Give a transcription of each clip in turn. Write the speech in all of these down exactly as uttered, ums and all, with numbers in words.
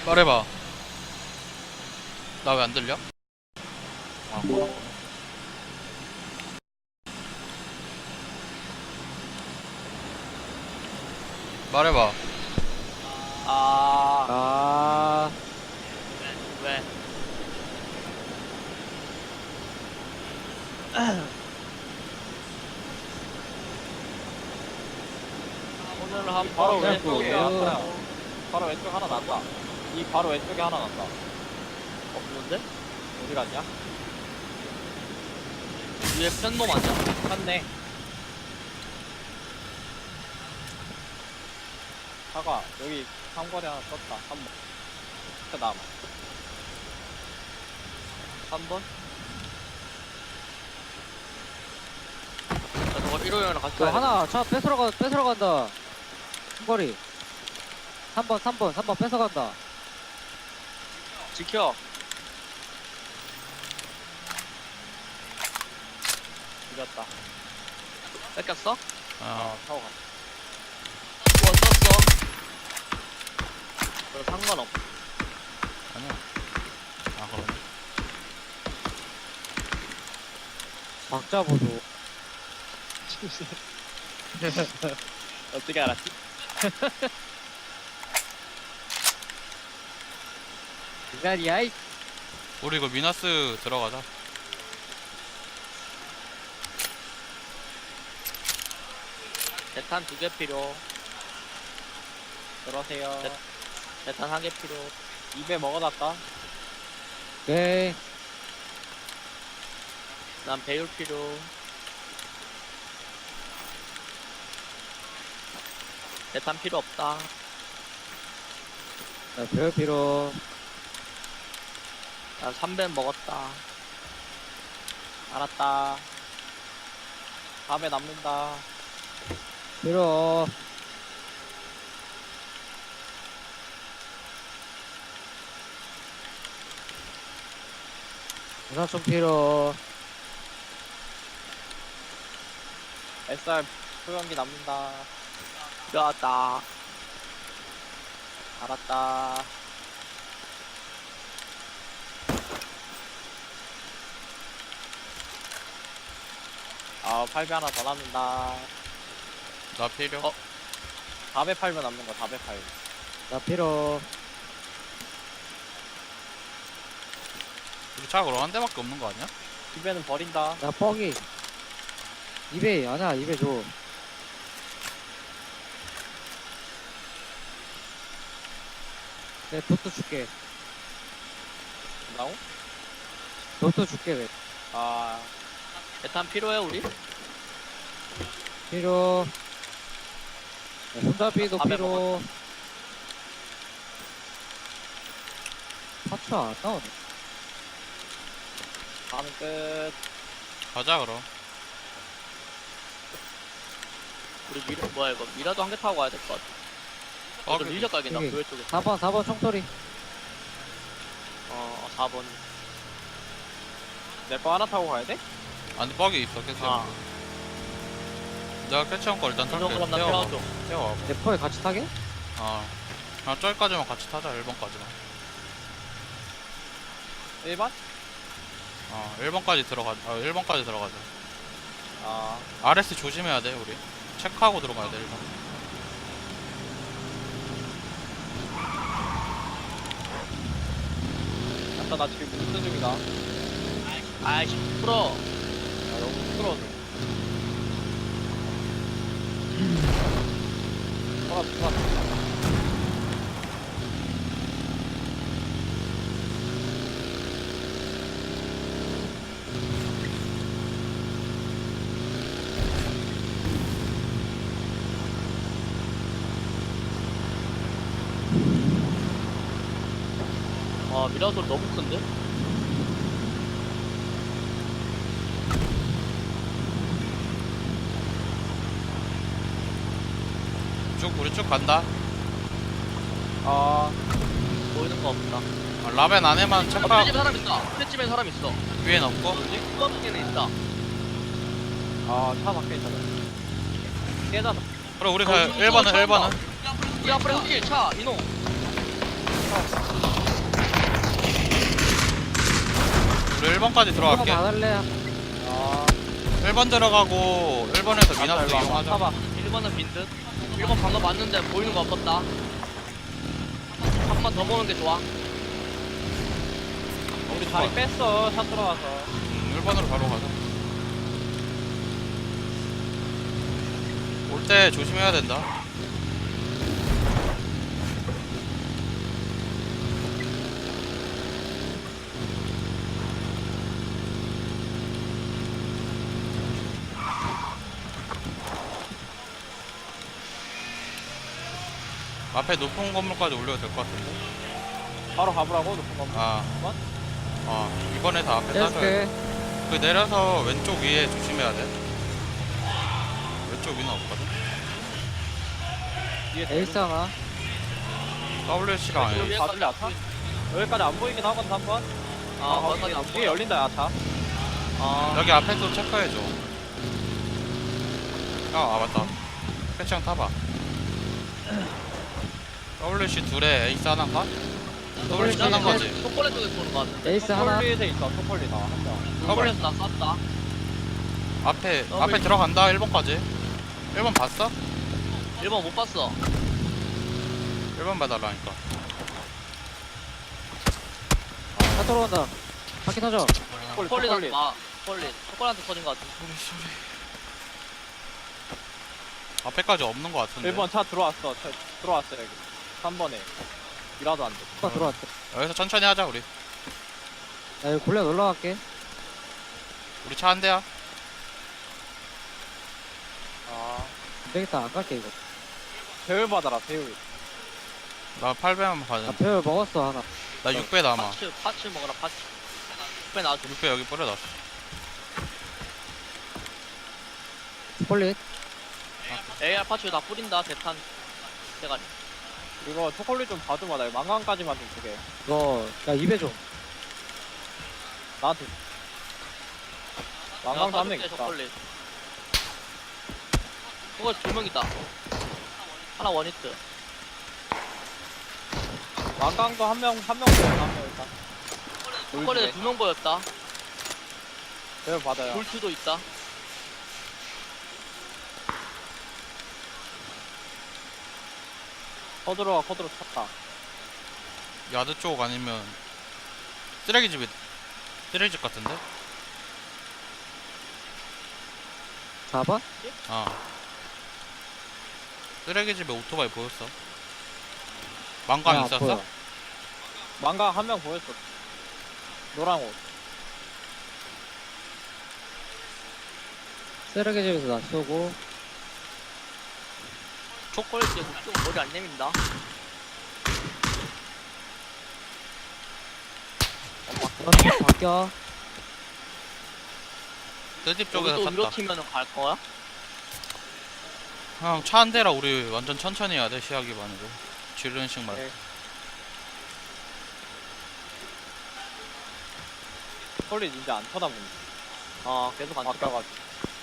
말해봐. 나 왜 안 들려? 아, 뭐라고? 말해봐. 아, 아, 왜? 오늘 한 바로 번 왼쪽에 왼쪽에 하나. 바로 왼쪽 하나 났다. 이 바로 왼쪽에 하나 났다. 없는데? 어디 갔냐? 위에 팬놈 아니야? 갔네. 사과, 여기 삼거리 하나 떴다. 한 번. 그 다음. 한 번? 야, 저거 일호형이랑 같이 너 가야 하나 차 뺏으러 가 뺏으러 간다. 중거리. 삼 번 삼 번 삼 번 뺏어 간다. 지켜. 이겼다. 뺏겼어? 어. 어, 타고 갔다. 뭐 썼어? 너 상관없. 아니야. 아, 그러네. 박자 보소. 어떻게 알았지? 기다리야 이. 우리 이거 미나스 들어가자. 대탄 두 개 필요. 그러세요. 네. 대탄 한 개 필요. 입에 먹어놨다. 오케이. 난 배율 필요. 대탄 필요 없다. 자, 배울 필요. 난 삼 배 먹었다. 알았다. 다음에 남는다. 필요. 우산총 필요. 에스알 소형기 남는다. 필요하다. 알았다. 아, 팔 배 하나 더 남는다. 나 필요. 어? 사 배 팔면 남는 거, 사 배 팔. 나 필요. 우리 차 그럼 한 대밖에 없는 거 아니야? 이 배는 버린다. 나 뻥이. 입에 아니야 입에 줘. 내 도트 줄게. 나오? 도트 줄게 왜? 아, 대탄 필요해 우리? 필요. 야, 손잡이도 아, 밥에 필요. 파츠 안 나오네. 다음은 끝. 가자, 그럼. 우리 미라 뭐야 이거 미라도 한 개 타고 가야 될 것 같아. 어, 어, 그- 릴적 가겠다. 여기. 교회 쪽에. 사 번 사 번 총소리. 어, 사 번. 내 거 하나 타고 가야 돼? 안에 뻑이 있어, 캐치. 아, 내가 캐치한 거 일단 탈게. 이거 그럼 나 태워봐. 태워줘. 태워봐. 대포에 같이 타게? 어. 아, 저기까지만 같이 타자, 일 번까지만. 일 번? 어, 일 번까지 들어가자. 어, 일 번까지 들어가자. 아, 알에스 조심해야 돼, 우리. 체크하고 들어가야 돼, 일 번. 아까 나 지금 운전 중이다. 아이씨, 풀어. 아, 너무 부끄러워서. 아, 부끄러워. 와, 미라 소리 너무 큰데? 쭉, 우리 쭉 간다. 아, 보이는 거 없다. 어, 라벤 안에만 아, 체크하고, 팬집에 사람 있다. 팬집에 사람 있어. 위엔 없고. 뭐지? 뚜껑에는 있다. 아, 차 밖에 있잖아. 깨닫아. 그래, 우리 어, 가, 저기 일 번은, 차 일 번은. 온다. 우리 앞에 흑길 차, 이놈. 우리 일 번까지 들어갈게. 받을래? 아, 일 번 들어가고 일 번에서 맞다, 미나스 일로 와봐. 이용하자. 타봐. 일 번은 빈듯. 일 번 방금 왔는데 보이는 거 없었다. 한 번 더 보는 게 좋아. 우리 자리 뺐어, 샷 들어가서. 음, 일 번으로 바로 가자. 올 때 조심해야 된다. 앞에 높은 건물까지 올려도 될 것 같은데? 바로 가보라고, 높은 건물. 아, 번? 아, 이번에 다 앞에 따줘야 돼. 해줄게. 그 내려서 왼쪽 위에 조심해야 돼. 왼쪽 위는 없거든? 뒤에 에이스 하나. 더블유씨가 아니야. 여기 봐줄래, 아타? 여기까지 안 보이긴 하거든, 한 번. 아, 거기 거기까지 안 뒤에 보여. 열린다, 야차. 아, 여기 앞에도 체크해줘. 아, 아 맞다. 패치형 타봐. 더블유씨 둘에 에이스 하나인가? 더블유씨 네, 하나인 네. 거지? 초콜릿 쪽에서 보는 거 같은데. 에이스 하나. 초콜릿에 있어, 초콜릿. 아, 한 명. 초콜릿 나 쐈다. 앞에, 더블- 앞에 들어간다, 일 번까지. 일 번 봤어? 일 번 못 봤어. 일 번 봐달라니까. 차 들어간다. 바퀴 터져. 초콜릿, 초콜릿 초콜릿. 아, 초콜릿. 초콜릿한테 터진 거 같은데. 소리, 소리. 앞에까지 없는 거 같은데. 일 번 차 들어왔어, 차 들어왔어, 여기. 삼 번에. 이라도 안 돼. 차 들어왔대. 여기서 천천히 하자, 우리. 나 여기 골래 놀러 갈게. 우리 차 한 대야. 아, 안 되겠다. 안 갈게, 이거. 배울 받아라, 배울. 나 팔 배만 나 받은. 배열 먹었어, 하나. 나 육 배 남아. 파츠, 파츠 먹어라, 파츠. 왜 나왔어? 육 배 여기 뿌려놨어. 폴릿. 에이알 파츠 다 뿌린다, 대탄. 대가리. 이거 초콜릿 좀 봐줘봐, 나 이거 망강까지만 좀 주게. 이거, 야, 입에 줘. 나한테. 망강도 한 명 사줄게, 있다. 초콜릿. 그거 두명 있다. 하나 원히트. 망강도 한 명, 한 명 보여, 한명 일단. 초콜릿 두 명 보였다. 배울 받아요. 볼트도 있다. 커드로가 커드로 쳤다. 야드 쪽 아니면 쓰레기집이 쓰레기집 같은데? 사 번? 아 쓰레기집에 오토바이 보였어. 망강 야, 있었어? 보여. 망강 한 명 보였어. 노랑 옷. 쓰레기집에서 나 쏘고. 초콜릿 이제 그쪽 머리 안 내민다. 어, 바뀌어. 뜨집 여기 쪽에서 또 위로 탔다. 튀면은 갈 거야? 형 차 한 대라 우리 완전 천천히 해야 돼. 시야 기반으로 지르는식 말고. 네. 초콜릿 이제 안 쳐다보네. 어, 계속 안 튀어. 바뀌어가지고.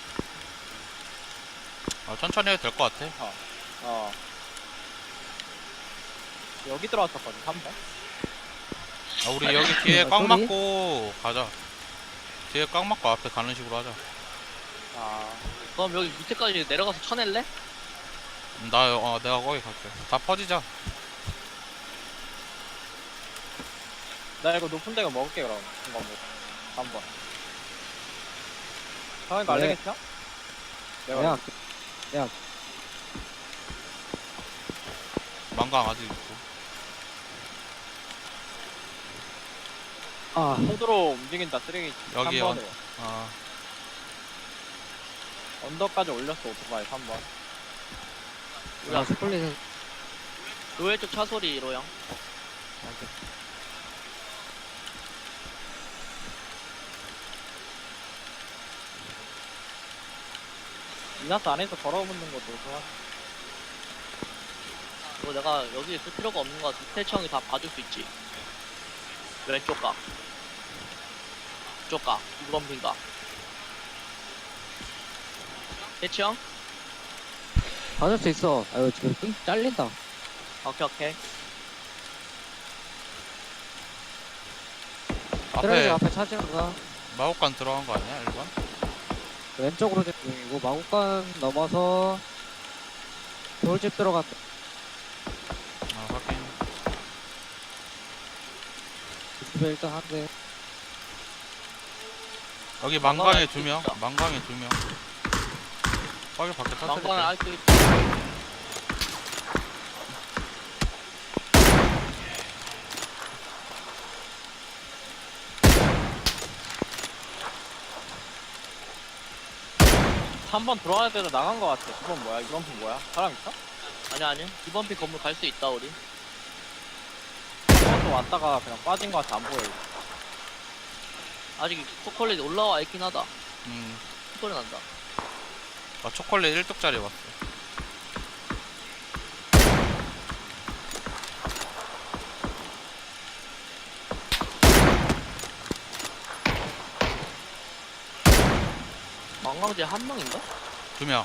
아, 천천히 해도 될 것 같아. 어. 여기 들어왔었거든, 삼 번. 아, 우리 여기 뒤에 아, 꽉 소리? 막고 가자. 뒤에 꽉 막고 앞에 가는 식으로 하자. 아. 그럼 여기 밑에까지 내려가서 쳐낼래? 음, 나 어, 내가 거기 갈게. 다 퍼지자. 나 이거 높은 데가 먹을게, 그럼. 한번 뭐. 삼 번. 형이 말리겠어? 내가. 내가 할게. 내가. 망강 아직 있고. 아, 코드로 움직인다, 쓰레기. 여기 삼 번으로. 아, 언덕까지 올렸어, 오토바이 삼 번. 나 폴릿은 노예 쪽 차 소리, 로영. 미나스 안에서 걸어붙는 것도 좋아. 이거 내가 여기 있을 필요가 없는 거 같아. 태청이 다 봐줄 수 있지. 왼쪽 각. 쪽 각. 이번 빈각. 태청? 받을 수 있어. 아, 이거 지금 삥 잘린다. 오케이, 오케이. 쓰레기 앞에 앞에 차지는 거. 마곡간 들어간 거 아니야? 일 번? 왼쪽으로 좀 중이고 마곡간 넘어서 돌집 들어간다. 아 확인. 집에 일단 한 대. 여기 망강에 망강에 두 명. 있다. 망강에 두 명. 빨리 밖에 망관은 터뜨릴게. 아직도 있다. 삼 번 들어갈 때도 나간 거 같아. 두 번 뭐야? 이번 분 뭐야? 사람 있어? 아니 아니 이번 피 건물 갈 수 있다 우리. 한번또 왔다가 그냥 빠진 거 같아. 안 보여. 이거. 아직 초콜릿 올라와 있긴 하다. 음. 소리 난다. 아 초콜릿 일 뚝짜리 왔어. 망광제 한 명인가? 두 명.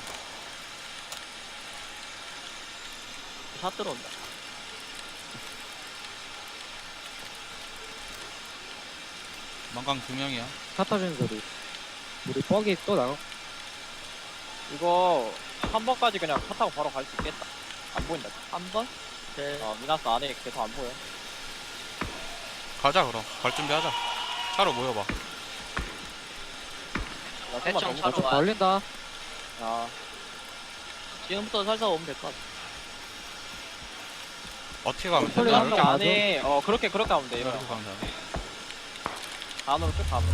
샷 들어온다. 망강 두 명이야. 차 터지는 소리. 우리 뻑이 또 나가. 이거 삼 번까지 그냥 차 타고 바로 갈 수 있겠다. 안 보인다. 한 번? 네. 어, 미나스 안에 계속 안 보여. 가자 그럼. 갈 준비하자. 차로 모여봐. 야, 좀만 대충 너무 차로 좀 와. 걸린다. 아, 지금부터 살살 오면 될 것 같아. 어떻게 가면 초콜릿 되나? 한 한쪽 명 안에 어 그렇게 그렇게 하면 돼. 이거 이렇게 가면 되나? 안으로 쭉 가면.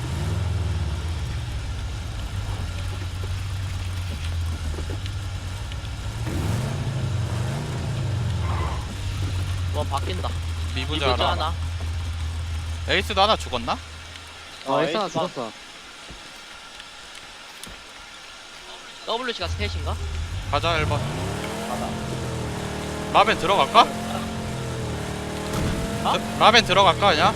뭐 바뀐다. 미부자 이부자 하나. 하나. 에이스도 하나 죽었나? 어, 아, 에이스나 에이스 죽었어. 더블유씨가 셋인가? 가자 일 번. 가자. 라벤 들어갈까? 어? 드- 라벤 들어갈까 그냥?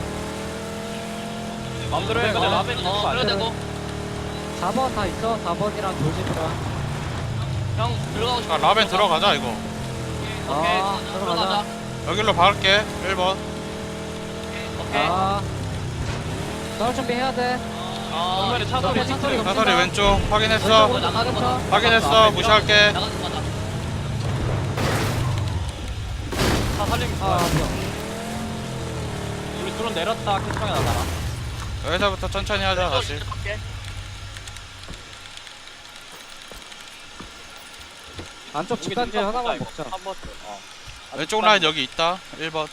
마음대로 해. 근데 어, 라벤 있는 거 어, 아니야? 그래도 되고. 사 번 다 있어. 사 번이랑 돌집이랑. 형 들어가고 싶어. 아 라벤 들어가자 이거. 오케이. 아, 들어가자. 여기로 박을게. 일 번. 오케이. 아. 싸울 준비해야 돼. 어, 정면에 차 소리. 차 소리 사설이 겹친다. 왼쪽 확인했어. 왼쪽으로 나가는 거다. 확인했어. 무시할게. 나가는 거다. 차 살리기 아, 좋아. 뭐야. 우리 드론 내렸다. 캐치방에 나가라. 여기서부터 천천히 하자 다시. 왼쪽으로 갈게. 안쪽 집단지 하나만 먹자. 한 번. 어. 아직 왼쪽 집단지. 라인 여기 있다. 일 번.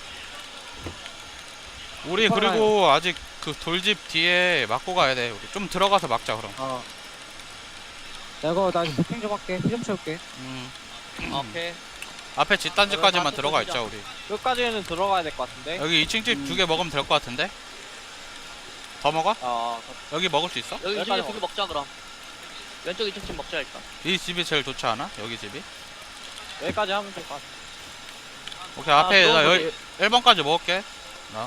우리 슈퍼 그리고 아직 그 돌집 뒤에 막고 가야 돼. 우리 좀 들어가서 막자 그럼. 어. 내가 나 도핑 좀 할게. 피 좀 채울게. 음. 오케이. 앞에 집단지까지만 그럼 들어가 바꿔 있자 우리. 끝까지는 들어가야 될 것 같은데. 여기 이 층 집 음. 두 개 먹으면 될 것 같은데? 더 먹어? 아, 여기 먹을 수 있어? 여기 여기까지 집에 두개 먹자 그럼. 왼쪽 이층 집 먹자 일단. 이 집이 제일 좋지 않아? 여기 집이? 여기까지 하면 될 것 같아. 오케이 아, 앞에 나 너무 여기 일 번까지 먹을게. 아.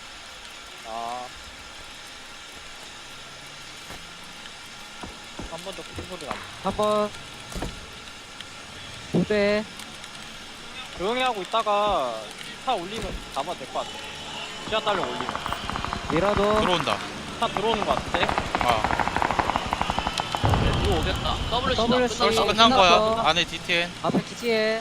한 번 더 큰 소리 나. 한 번. 두 대. 조용히 하고 있다가 차 올리면 가면 될 것 같아. 시야 딸려 올리면. 미라도. 들어온다. 차 들어오는 것 같은데? 아 이거 오겠다. 더블유씨다. 더블유씨. 벌써 끝났어. 끝난 끝났어. 거야. 안에 디티엔. 앞에 기지에.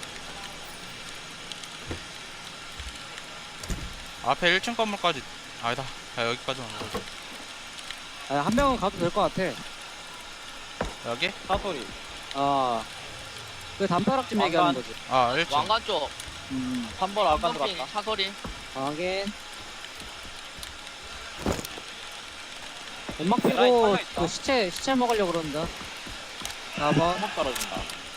앞에 일 층 건물까지. 아니다. 야, 여기까지만 먹자. 아, 한 명은 가도 될 것 같아. 여기? 차 소리. 아. 그 담벼락집 왕관. 얘기하는 거지. 아 일 층. 왕관 쪽. 음. 한 번 아까 펌핑 들어갔다. 차소리. 확인. 연막 라인 피고 살려있다. 그 시체 시체 먹으려고 그런다. 사 번. 한번 떨어진다.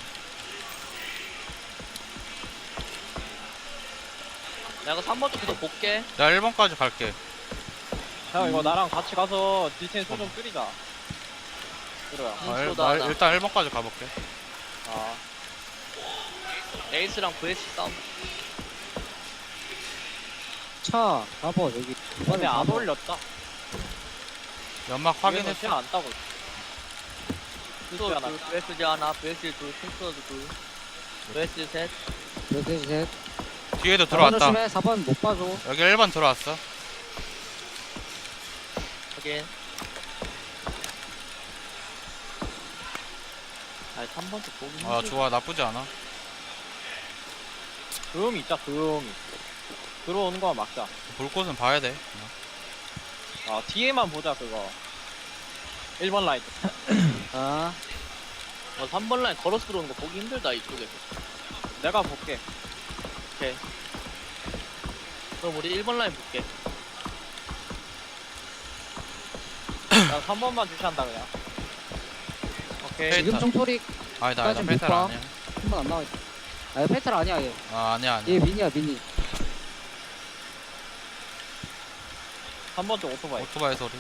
내가 삼 번 쪽 계속 볼게. 나 일 번까지 갈게. 형 음. 이거 나랑 같이 가서 디테인 소좀 줄이자. 그래요. 음, 아, 일, 쏘다, 나 하나. 일단 일 번까지 가볼게. 아. 에이스랑 브이에스 싸움. 차 사 번 여기. 근데 안 사 번. 올렸다. 연막 확인했어. 확인했어. 안 따고. 또 하나. 둘, 브이에스 하나, 브이에스 둘, 킹스워드 둘, 브이에스 셋. 이렇게 셋. 뒤에도 사 번 들어왔다. 조심해. 사 번 못 봐줘. 여기 일 번 들어왔어. 확인. 아니 삼 번 쪽 보기 아 힘들어. 좋아, 나쁘지 않아. 조용히 있자 조용히. 들어오는 거만 막자. 볼 곳은 봐야 돼. 아 뒤에만 보자 그거. 일 번 라인. 아, 어, 삼 번 라인 걸어서 들어오는 거 보기 힘들다 이쪽에서. 내가 볼게. 오케이. 그럼 우리 일 번 라인 볼게. 나 삼 번만 주시한다 그냥. 오케이. 페이탈. 지금 총소리 아니다, 아니다. 까진 페탈 못 봐. 아니야. 한 번 안 나와 있어. 아, 페탈 아니야, 얘. 아 아니야 아니야. 얘 미니야, 미니. 삼 번 쪽 오토바이. 오토바이 소리.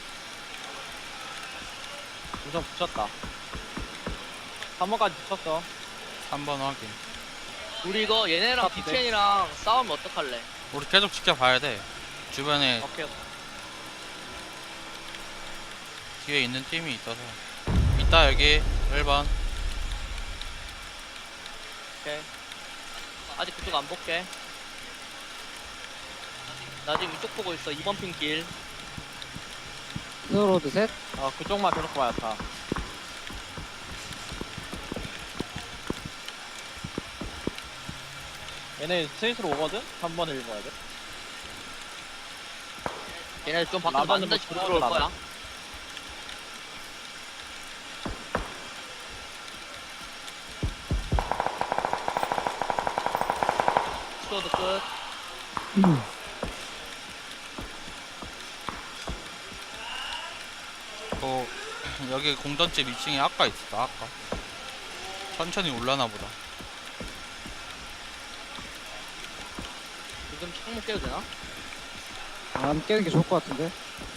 우선 붙였다. 삼 번까지 붙였어. 삼 번 확인. 우리 이거 얘네랑 같은데? 디텐이랑 싸우면 어떡할래? 우리 계속 지켜봐야 돼. 주변에 오케이. 뒤에 있는 팀이 있어서. 있다 여기 일 번. 오케이. 아직 그쪽 안 볼게. 나 지금 이쪽 보고 있어. 이 번 핑 길. 스로드 셋. 어 그쪽만 계속 봐야 다. 얘네 스위스로 오거든? 삼 번에 일 번에 돼. 얘네 좀 밖에서 라반은 만든다시 뭐 들어올 들어올라나? 거야. 스쿼드 끝. 어, 여기 공던집 이 층에 아까 있었다 아까. 천천히 올라나 보다. 지금 창문 깨도 되나? 안 깨는 게 좋을 것 같은데.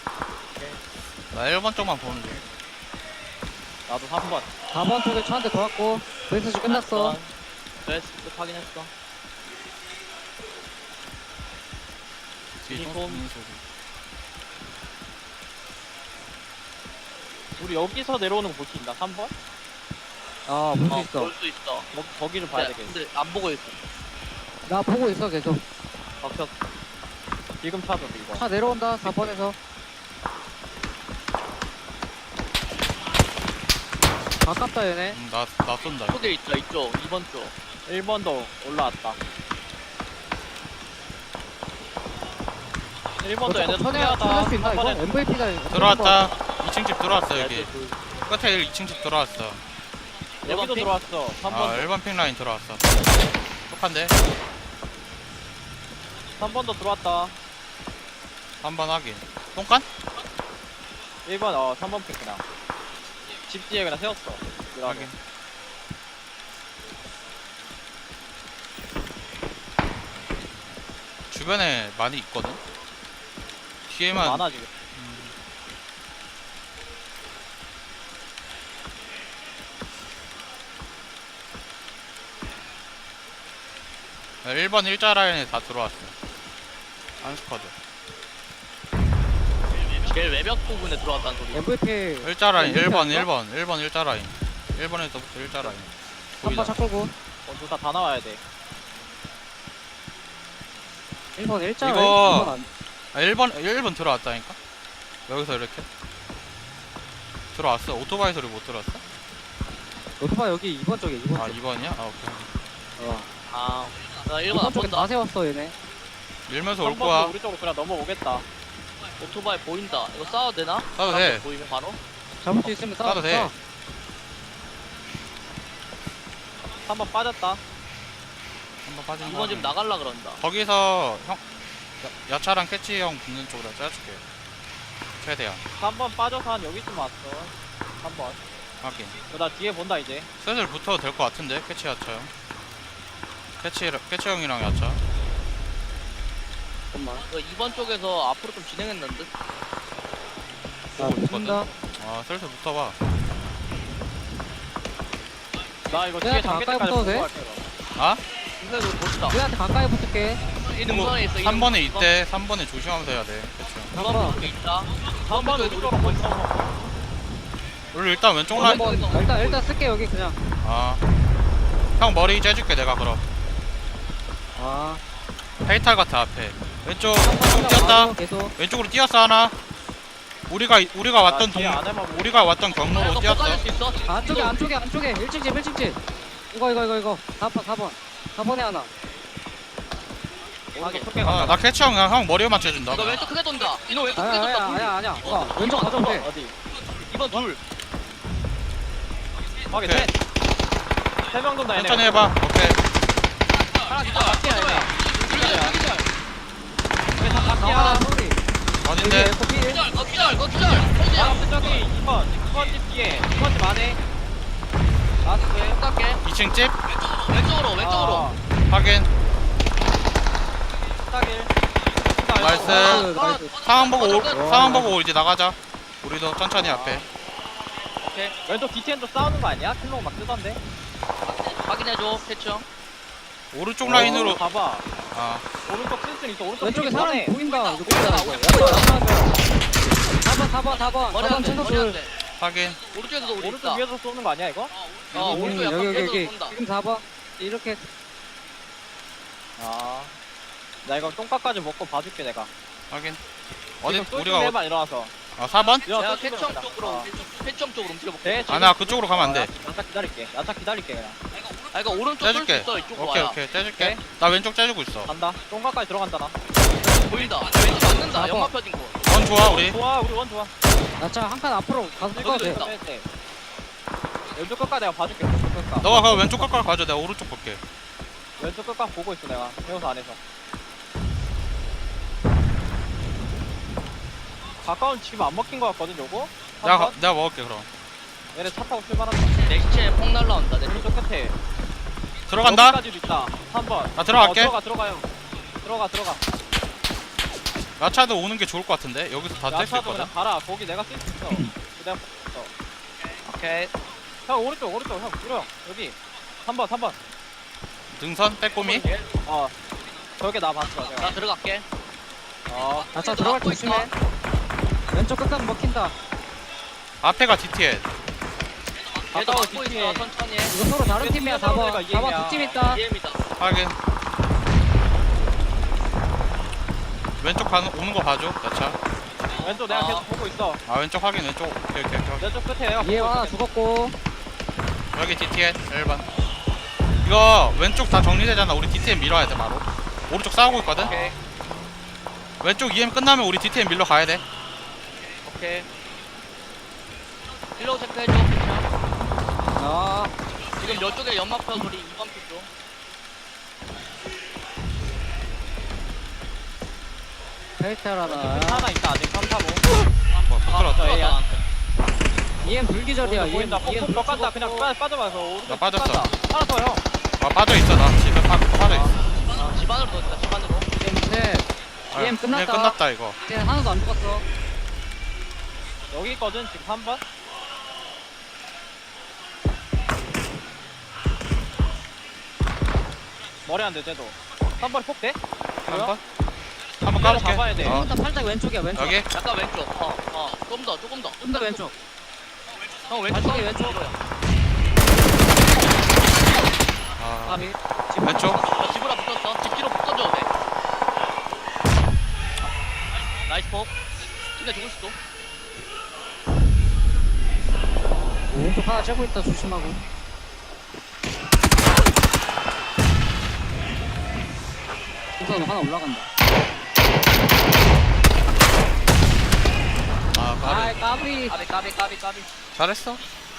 나 일 번 쪽만 보는 중. 나도 삼 번. 사 번 쪽에 차 한 대 더 왔고, 멘트지 끝났어. 네, 끝 확인했어. 뒤에 유니폼. 총 쏘는 소리. 우리 여기서 내려오는 거 볼 수 있나? 삼 번? 아, 볼 수 어, 있어. 볼 수 있어. 거, 거기를 봐야 근데, 되겠어. 근데 안 보고 있어. 나 보고 있어, 계속. 박혔. 지금 차도 이거. 차 내려온다, 사 번에서. 가깝다, 얘네. 음, 나, 나 쏜다. 이쪽에 있다, 이쪽. 이 번 쪽. 일 번도 올라왔다. 일 번도 얘네도 천해야, 피하다. 천할 수 있나, 삼 이거? 번에 엠브이피다. 들어왔다. 이 층 집 들어왔어 여기. 네, 둘. 끝에 이 층 집 들어왔어. 여기도 핑? 들어왔어. 삼 번. 아 일 번 핑 라인 들어왔어. 똑한데. 삼 번도 들어왔다. 삼 번 확인. 똥간? 일 번, 어, 삼 번 픽 그냥. 집 뒤에 그냥 세웠어. 확인. 주변에 많이 있거든. 뒤에만. 많아, 지금. 음, 일 번 일자 라인에 다 들어왔어. 한 스쿼드. 제일 외벽 부분에 들어왔다는 소리. 엠브이피. 일자 라인 네, 일 번 아닌가? 일 번 일 번 일자 라인. 일 번에서부터 일자 라인. 삼 번 차 끌고. 어, 둘 다 다 나와야 돼. 일 번 일자. 이거- 일 번 안. 아, 일 번 일 번 들어왔다니까. 여기서 이렇게 들어왔어. 오토바이 소리 못 들었어? 오토바 여기 이 번 쪽에, 이 번 아 쪽. 이 번이야? 아 오케이. 어. 아, 나 이 일 번 번 안 쪽에 본다. 다 세웠어, 얘네. 밀면서 올 삼 번도 거야. 우리 쪽으로 그냥 넘어오겠다. 오토바이 보인다. 이거 싸워도 되나? 싸도 돼. 보이면 바로? 잡을 수 있으면 싸워. 싸도 돼. 삼 번 빠졌다. 한번 빠진 이 번 지금 나갈라 그런다. 거기서 형 야, 야차랑 캐치 형 붙는 쪽으로 짜줄게. 최대한 삼 번 빠져서 한 여기쯤 왔어. 삼 번. 확인. 어, 나 뒤에 본다, 이제. 슬슬 붙어도 될 것 같은데 캐치 야차 형. 캐치 캐치 형이랑 야차. 잠깐만. 이거 이 번 쪽에서 앞으로 좀 진행했는데? 나 보고 있거든. 붙는다. 아 슬슬 붙어봐. 나 이거 내가 뒤에 더 잠길 가까이 때까지 붙어도 보고 돼? 갈게, 그럼. 아? 근데 그거 멋있다. 우리한테 가까이 붙을게. 이 능선에 있어. 이 삼 번에 능선. 있대. 삼 번에 조심하면서 해야 돼. 캐치 형. 이 번 쪽에 있다. 삼 번 쪽에 우쪽으로 우리 먼저. 우리 일단 왼쪽 어, 라인. 뭐- 한번 일단 일단 쓸게 여기 그냥. 아. 형 머리 째줄게 내가 그럼. 아. 페이탈 같아 앞에. 왼쪽 왼쪽 뛰었다. 계속. 왼쪽으로 뛰었어 하나. 우리가 우리가 왔던 동 뒤에 안에만 보고. 우리가 왔던 야, 경로로 이거 뛰었어. 뽑아줄 수 있어? 안쪽에 안쪽에 안쪽에 일 층 집 일 층 집 이거 이거 이거 이거 사 번 사 번 사 번에 하나 오른쪽 크게 아, 간다. 나 캐치 형, 형 머리에만 째준다. 이거 왼쪽 크게 돈다. 이거 왼쪽 크게 아니야 돈다. 아니야 둘. 아니야 아니야 이번, 어, 왼쪽 이번, 가져도 돼 어디? 이번 둘. 확인 오케이. 셋. 세명 돈다 얘네. 천천히 해봐. 오케이. 하나 기절 맞기야 얘네. 기절, 기절. 얘네 다 아 맞기야. 소리 여기 어딘데? 에코피 기절, 거 기절, 거 기절. 형제야. 라스트 저기 이 번. 이 번 집 뒤에. 이 번 집 안에. 라스트. 갈게. 이 층 집 왼쪽으로, 왼쪽으로. 어, 확인. 스타길. 나이스. 나이스 나이스 상황 보고 오, 어, 상황 보고 이제 나가자. 우리도 천천히 앞에. 오케이. 왼쪽 디티엔도 싸우는 거 아니야? 킬로그 막 뜨던데. 확인해줘, 캐치 형. 오른쪽 라인으로. 어, 봐봐. 아, 오른쪽 쓸 수는 있어. 오른쪽 왼쪽에 쓰기 사람 전에. 보인다 이거 보인다, 보인다 우리 이거 보인다. 사 번 사 번 사 번 머리 사 안 번 돼, 최소 머리 안 둘 돼. 확인. 오른쪽에서도 우리 오른쪽 있다. 위에서 쏘는 거 아니야 이거? 어, 음, 오른쪽 약간 여기 여기 계속 여기 쏜다. 지금 사 번 이렇게 아. 나 이거 똥까까지 먹고 봐줄게 내가. 확인. 어디 지금 쏠 우리가 어, 준비해봐 일어나서. 아, 사 번? 야, 내가 쏠 캐치 형 준비해봐. 쪽으로, 어. 캐치 형 쪽으로 움직여볼게. 네, 아, 나 그쪽으로 가면 안 돼. 야차 기다릴게. 야차 기다릴게 그냥. 아, 이거 오른쪽 쏠수 째줄게. 있어, 이쪽으로 오케이, 와야. 오케이. 째줄게. 오케이. 나 왼쪽 째주고 있어. 간다. 똥까까지 들어간다 나. 보인다. 왼쪽 막는다. 사 번. 연막 펴진 거. 원 좋아, 우리. 원 좋아 우리 원 좋아. 나차 한 칸 앞으로 가서 여기도 찍어도 돼 있다. 네, 네. 왼쪽 끝까지 내가 봐줄게. 왼쪽 끝까. 너가 그 왼쪽 가까이 가져. 내가 오른쪽 볼게. 왼쪽 끝까 보고 있어 내가. 배우서 안에서. 가까운 집 안 먹힌 거 같거든 요거. 내가 가- 한번? 내가 먹을게 그럼. 얘네 차 타고 출발한다. 내 시체에 폭 날라온다. 내 오른쪽 끝에. 들어간다. 여기까지도 있다. 한 번. 나 들어갈게. 어, 들어가 들어가요. 들어가 들어가. 야차도 오는 게 좋을 것 같은데. 여기서 다 뗄 수 야차도 있거든. 그냥 가라. 거기 내가 쓸 수 있어. 내가 있어. 오케이. 형 오른쪽 오른쪽 형 들어 형 여기. 삼 번 삼 번. 등선 빼꼼이. 어. 저게 나 봤어. 내가. 나 들어갈게. 어. 나차 들어갈 때 조심해 왼쪽 끝까지 먹힌다 앞에가 디티엔. 얘도 가까워 막고 뒤에. 있어. 천천히 해. 이거 서로 다른 왼쪽 팀이야 끝에 사 번 내가 사 번 이해야. 두 팀 있다 이해입니다. 확인. 왼쪽 가는 오는 거 봐줘. 야차. 왼쪽 내가 어. 계속 보고 있어. 아, 왼쪽 확인. 왼쪽. 오케이, 오케이, 오케이. 왼쪽 끝에 내가 얘 보고 하나 있어. 죽었고 여기 디티엔 일 번. 이거 왼쪽 다 정리되잖아. 우리 디티엔 밀어야 돼 바로. 오른쪽 싸우고 있거든. 오케이. 왼쪽 이엠 끝나면 우리 디티엔 밀러 가야 돼. 오케이. 힐로 체크해줘. 캐치 형. 아 지금 이쪽에 연막표 소리 이 번 표 페이탈하나 하나 있다 아직 삼, 사, 오. 뭐 아, 부끄러웠다. 저 A야. 이엠 불기절이야 오른쪽 이엠 보인다. 이엠 폭폭 갔다 그냥 빠, 빠져봐서 오른쪽 나 빠졌어. 갔다. 하나 더 형. 아, 빠져 있어. 나 집에 빠, 빠져 있어. 아, 집 안으로 넣었다. 집 안으로. 이엠 셋 아, 이엠 끝났다. 이엠 끝났다 이거. 이제 하나도 안 죽었어 여기 있거든 지금 삼 번. 머리 안 돼, 쟤도. 삼 번 폭 돼? 한번 한번 까볼게. 잡아야 돼. 어, 일단 팔짝 왼쪽이야 왼쪽 여기 약간 왼쪽. 어, 어. 좀 더, 조금 더. 좀 더 왼쪽 형 왼쪽. 발차기 왼쪽. 왼쪽. 아, 까비 왼쪽. 나 집으로 붙었어. 집 뒤로 붙어줘도 돼. 나이스 폭. 근데 죽을 수도. 왼쪽 하나 째고 있다 조심하고 우선 하나 올라간다 아, 아 까비. 까비 까비, 까비, 까비, 까비. 잘했어.